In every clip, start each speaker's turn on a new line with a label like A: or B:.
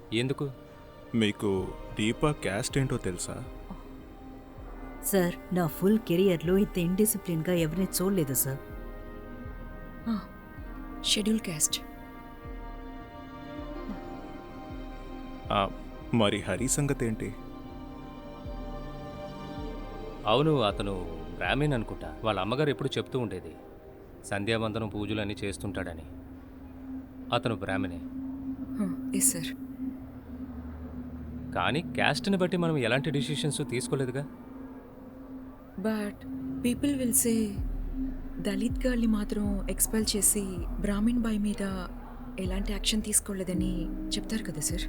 A: ఎందుకు?
B: మీకు దీపా క్యాస్ట్ ఏంటో తెలుసా?
C: సార్, నా ఫుల్ కెరియర్లో ఇంత ఇండిసిప్లిన్గా ఎవరిని చూడలేదు సార్.
D: Schedule caste.
B: ఆ, మరి హరి సంగతి ఏంటి?
A: అవును, అతను బ్రాహ్మణ్ అనుకుంటా. వాళ్ళ అమ్మగారు ఎప్పుడు చెప్తూ ఉండేది సంధ్యావందనం పూజలన్నీ చేస్తుంటాడని. అతను బ్రాహ్మణే.
D: Yes sir.
A: కానీ క్యాస్ట్ని బట్టి మనం ఎలాంటి డిసిషన్స్ తీసుకోలేదుగా.
D: But people will say Dalit గర్ల్ని మాత్రం ఎక్స్పెల్ చేసి బ్రాహ్మిన్ బాయ్ మీద ఎలాంటి యాక్షన్ తీసుకోలేదని చెప్తారు కదా సార్.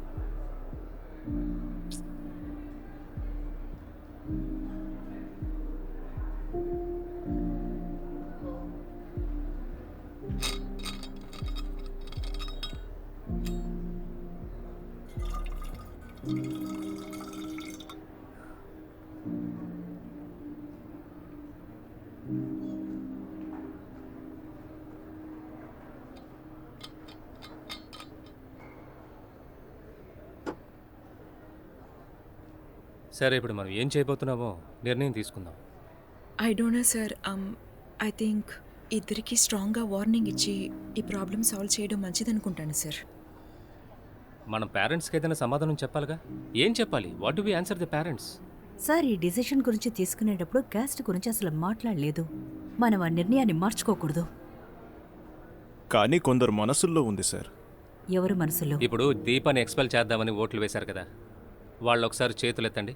A: సరే, ఇప్పుడు మనం ఏం చేయబోతున్నామో నిర్ణయం తీసుకుందాం.
D: I don't know sir. I think ఇద్దరికి స్ట్రాంగ్గా వార్నింగ్ ఇచ్చి ఈ ప్రాబ్లమ్ సాల్వ్ చేయడం మంచిదనుకుంటాను సార్.
A: మనం పేరెంట్స్కి ఏదైనా సమాధానం చెప్పాలిగా. ఏం చెప్పాలి? What do we answer the parents?
C: Sir, ఈ డిసిషన్ గురించి తీసుకునేటప్పుడు క్యాస్ట్ గురించి అసలు మాట్లాడలేదు. మనం ఆ నిర్ణయాన్ని మార్చుకోకూడదు.
B: కానీ కొందరు మనసుల్లో ఉంది సార్.
C: ఎవరు మనసులో?
A: ఇప్పుడు దీపాన్ని ఎక్స్పెల్ చేద్దామని ఓట్లు వేశారు కదా, వాళ్ళు ఒకసారి చేతులు ఎత్తండి.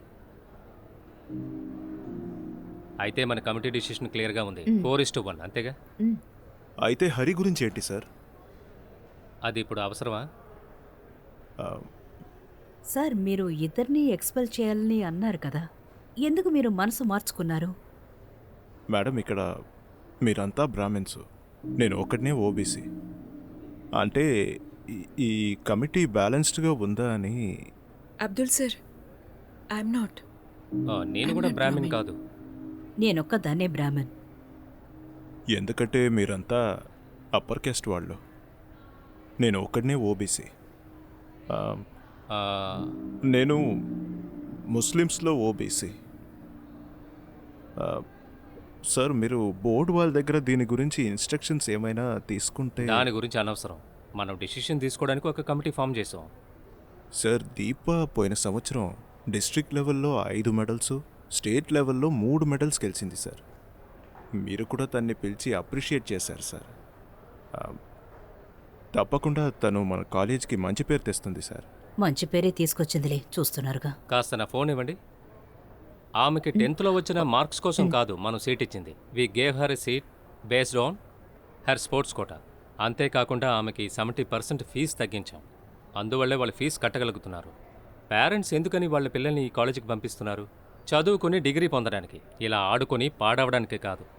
A: అయితే మన కమిటీ డిసిషన్ క్లియర్గా ఉంది. 4:1 అంతేగా?
B: అయితే హరి గురించి ఏంటి సార్?
A: అది ఇప్పుడు అవసరమా?
B: ఆ,
C: సార్, మీరు ఇద్దరిని ఎక్స్పెల్ చేయాలని అన్నారు కదా, ఎందుకు మీరు మనసు మార్చుకున్నారు?
B: మేడం, ఇక్కడ మీరంతా బ్రాహ్మిన్స్, నేను ఒకటినే ఓబీసీ. అంటే ఈ కమిటీ బ్యాలెన్స్డ్గా ఉందా అని.
D: Abdul sir, I'm not.
A: నేను కూడా బ్రాహ్మణ్ కాదు.
C: నేనొక్కదాన్నే బ్రాహ్మణ్.
B: ఎందుకంటే మీరంతా అప్పర్ క్యాస్ట్ వాళ్ళు, నేను ఒకటినే ఓబీసీ.
A: ఆ,
B: నేను ముస్లిమ్స్లో ఓబీసీ. సార్, మీరు బోర్డు వాళ్ళ దగ్గర దీని గురించి ఇన్స్ట్రక్షన్స్ ఏమైనా తీసుకుంటే.
A: దాని గురించి అనవసరం. మనం డిసిషన్ తీసుకోవడానికి ఒక కమిటీ ఫామ్ చేసాం.
B: సార్, దీప పోయిన సంవత్సరం డిస్ట్రిక్ట్ లెవెల్లో 5 మెడల్స్, స్టేట్ లెవెల్లో 3 మెడల్స్ గెలిచింది సార్. మీరు కూడా తన్ని పిలిచి అప్రిషియేట్ చేశారు సార్. తప్పకుండా తను మన కాలేజ్కి మంచి పేరు తెస్తుంది సార్.
C: మంచి పేరే తీసుకొచ్చిందిలే, చూస్తున్నారుగా.
A: కాస్త నా ఫోన్ ఇవ్వండి. ఆమెకి 10th వచ్చిన మార్క్స్ కోసం కాదు మనం సీట్ ఇచ్చింది. We gave her a seat based on her sports quota. అంతేకాకుండా ఆమెకి 70% ఫీజు తగ్గించాం. అందువల్లే వాళ్ళు ఫీజు కట్టగలుగుతున్నారు. పేరెంట్స్ ఎందుకని వాళ్ళ పిల్లల్ని ఈ కాలేజీకి పంపిస్తున్నారు? చదువుకుని డిగ్రీ పొందడానికి, ఇలా ఆడుకొని పాడవడానికి కాదు.